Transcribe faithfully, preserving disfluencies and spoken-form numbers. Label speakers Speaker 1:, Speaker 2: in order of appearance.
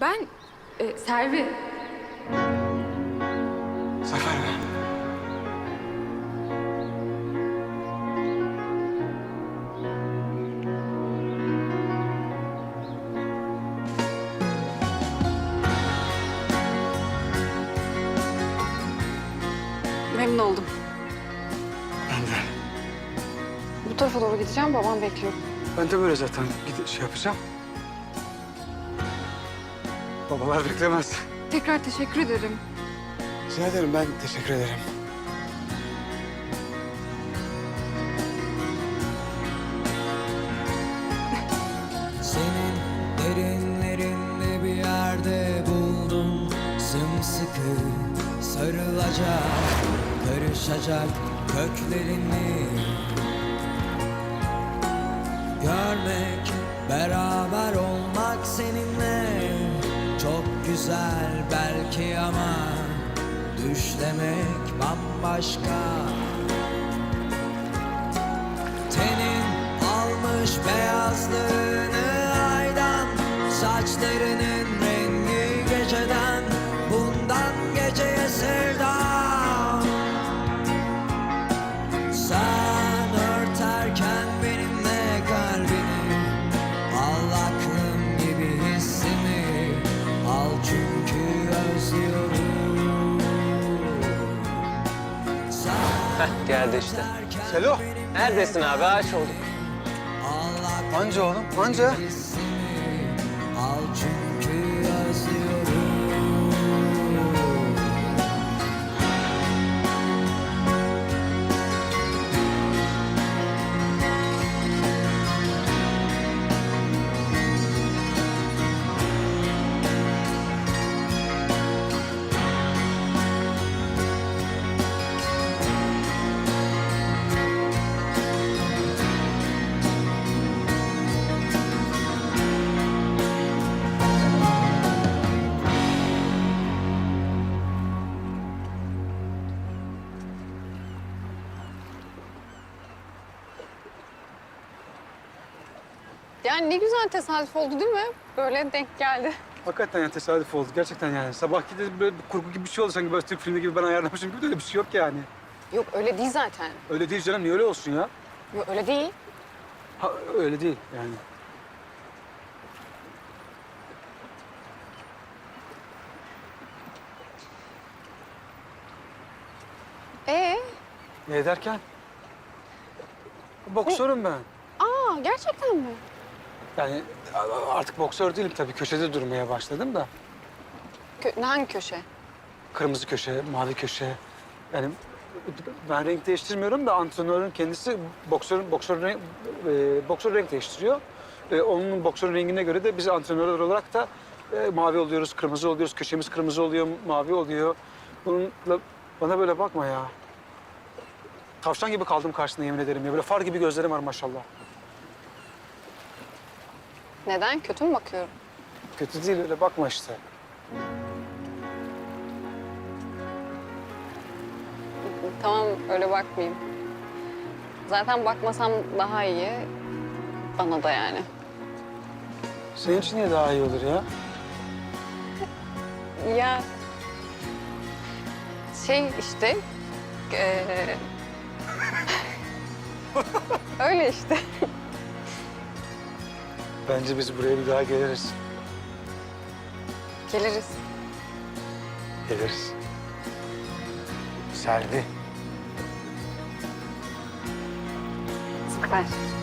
Speaker 1: Ben e, Selvi.
Speaker 2: Zafer mi?
Speaker 1: Memnun oldum.
Speaker 2: Ben de.
Speaker 1: Bu tarafa doğru gideceğim. Babam bekliyor.
Speaker 2: Ben de böyle zaten gidip şey yapacağım. Babalar beklemez.
Speaker 1: Tekrar teşekkür ederim.
Speaker 2: Rica ederim, ben teşekkür ederim.
Speaker 3: Senin derinlerinde bir yerde buldum sımsıkı sarılacak, karışacak köklerini görmek, beraber olmak seninle çok güzel belki ama düşlemek bambaşka. Tenin almış beyazlığını aydan, saçlarının rengi geceden, bundan geceye sevda. Sen örterken benimle kalbini, al aklım gibi hissimi, al çünkü özlüyorum. Sen
Speaker 4: Heh, geldi işte.
Speaker 3: örterken
Speaker 2: Selo.
Speaker 3: benimle
Speaker 4: Neredesin abi? Ağaç olduk.
Speaker 3: al
Speaker 2: Anca oğlum, anca.
Speaker 3: hissimi, al çünkü özlüyorum.
Speaker 1: Yani ne güzel tesadüf oldu değil mi? Böyle denk geldi.
Speaker 2: Hakikaten yani tesadüf oldu. Gerçekten yani. Sabahki de böyle bir kurgu gibi bir şey oldu. Sanki böyle Türk filmi gibi ben ayarlamışım gibi de öyle bir şey yok yani.
Speaker 1: Yok öyle değil zaten.
Speaker 2: Öyle değil canım. Niye öyle olsun ya?
Speaker 1: Yok öyle değil.
Speaker 2: Ha, öyle değil yani.
Speaker 1: Ee?
Speaker 2: Ne derken? Boksörüm ben.
Speaker 1: Aa gerçekten mi?
Speaker 2: Yani artık boksör değilim tabii. Köşede durmaya başladım da.
Speaker 1: Kö hangi köşe?
Speaker 2: Kırmızı köşe, mavi köşe. Yani ben renk değiştirmiyorum da antrenörün kendisi boksörün boksör renk, e, boksör renk değiştiriyor. E, onun boksörün rengine göre de biz antrenörler olarak da e, mavi oluyoruz, kırmızı oluyoruz. Köşemiz kırmızı oluyor, mavi oluyor. Bununla bana böyle bakma ya. Tavşan gibi kaldım karşısında yemin ederim ya. Böyle far gibi gözlerim var maşallah.
Speaker 1: Neden? Kötü mü bakıyorum?
Speaker 2: Kötü değil, öyle bakma işte.
Speaker 1: Tamam öyle bakmayayım. Zaten bakmasam daha iyi. Bana da yani.
Speaker 2: Senin için niye daha iyi olur ya?
Speaker 1: Ya şey işte eee öyle işte.
Speaker 2: Bence biz buraya bir daha geliriz.
Speaker 1: Geliriz.
Speaker 2: Geliriz. Selvi.
Speaker 1: Süper.